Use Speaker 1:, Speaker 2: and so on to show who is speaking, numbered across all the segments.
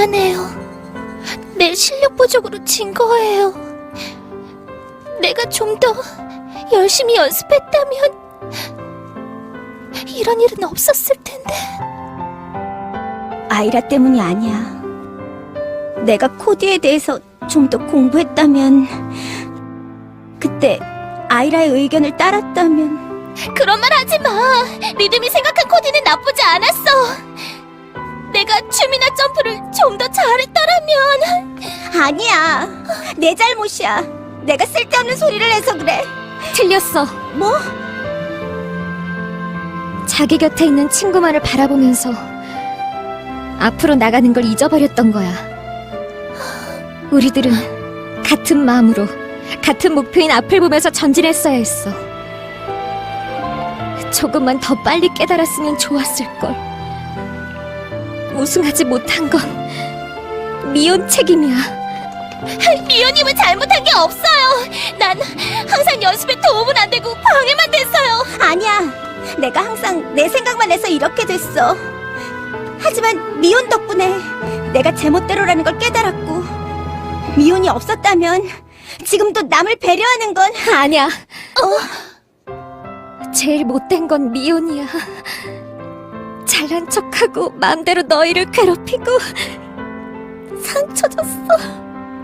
Speaker 1: 미안해요. 내 실력 부족으로 진 거예요. 내가 좀 더 열심히 연습했다면 이런 일은 없었을 텐데.
Speaker 2: 아이라 때문이 아니야. 내가 코디에 대해서 좀 더 공부했다면, 그때 아이라의 의견을 따랐다면.
Speaker 1: 그런 말 하지 마. 리듬이 생각한 코디는 나쁘지 않았어. 내가 춤이나 점프를 좀 더 잘했더라면.
Speaker 2: 아니야. 내 잘못이야. 내가 쓸데없는 소리를 해서 그래.
Speaker 1: 틀렸어.
Speaker 2: 뭐?
Speaker 1: 자기 곁에 있는 친구만을 바라보면서 앞으로 나가는 걸 잊어버렸던 거야. 우리들은 같은 마음으로 같은 목표인 앞을 보면서 전진했어야 했어. 조금만 더 빨리 깨달았으면 좋았을걸. 우승하지 못한 건 미혼 책임이야. 미혼님은 잘못한 게 없어요. 난 항상 연습에 도움은 안 되고 방해만 됐어요.
Speaker 2: 아니야. 내가 항상 내 생각만 해서 이렇게 됐어. 하지만 미혼 덕분에 내가 제멋대로라는 걸 깨달았고, 미혼이 없었다면 지금도 남을 배려하는 건.
Speaker 1: 아니야. 제일 못된 건 미혼이야. 잘난 척하고 마음대로 너희를 괴롭히고 상처 줬어.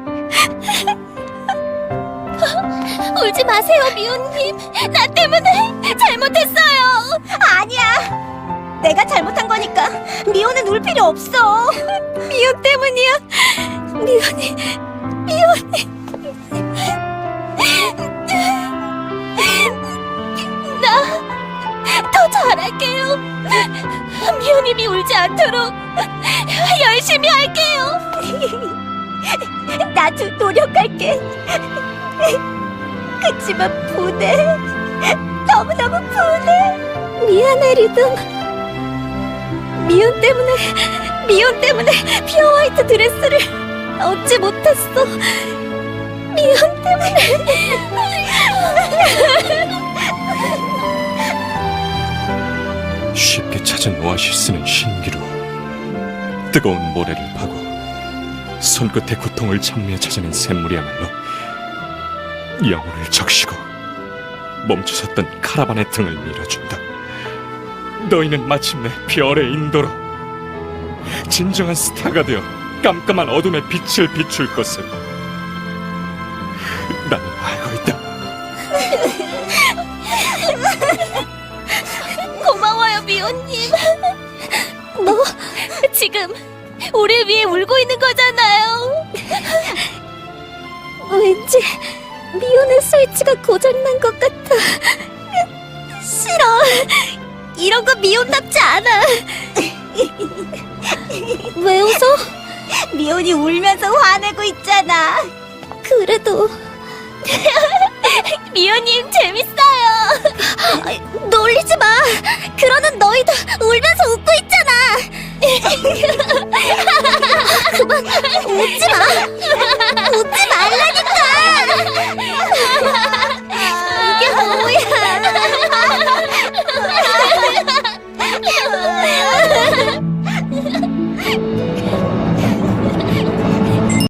Speaker 1: 울지 마세요, 미혼님. 나 때문에 잘못했어요.
Speaker 2: 아니야. 내가 잘못한 거니까 미혼은 울 필요 없어.
Speaker 1: 미혼 때문이야. 미혼이. 나 더 잘할게요. 미호님이 울지 않도록 열심히 할게요.
Speaker 2: 나도 노력할게. 그치만 분해. 너무너무 분해.
Speaker 1: 미안해, 리듬. 미혼 때문에 퓨어 화이트 드레스를 얻지 못했어. 미혼 때문에.
Speaker 3: 쉽게 찾은 오아시스는 신기루. 뜨거운 모래를 파고 손끝의 고통을 장미에 찾아낸 샘물이야말로 영혼을 적시고 멈춰섰던 카라반의 등을 밀어준다. 너희는 마침내 별의 인도로 진정한 스타가 되어 깜깜한 어둠의 빛을 비출 것을 나는 알고 있다.
Speaker 1: 고마워요, 미호님. 너 지금 우리 위해 울고 있는 거잖아요. 왠지 미호의 스위치가 고장난 것 같아. 싫어. 이런 거 미혼답지 않아. 왜 웃어?
Speaker 2: 미혼이 울면서 화내고 있잖아.
Speaker 1: 그래도 미호님 재밌어요. 놀리지 마. 그러는 너희도 울면서 웃고 있잖아. 그만 웃지 마.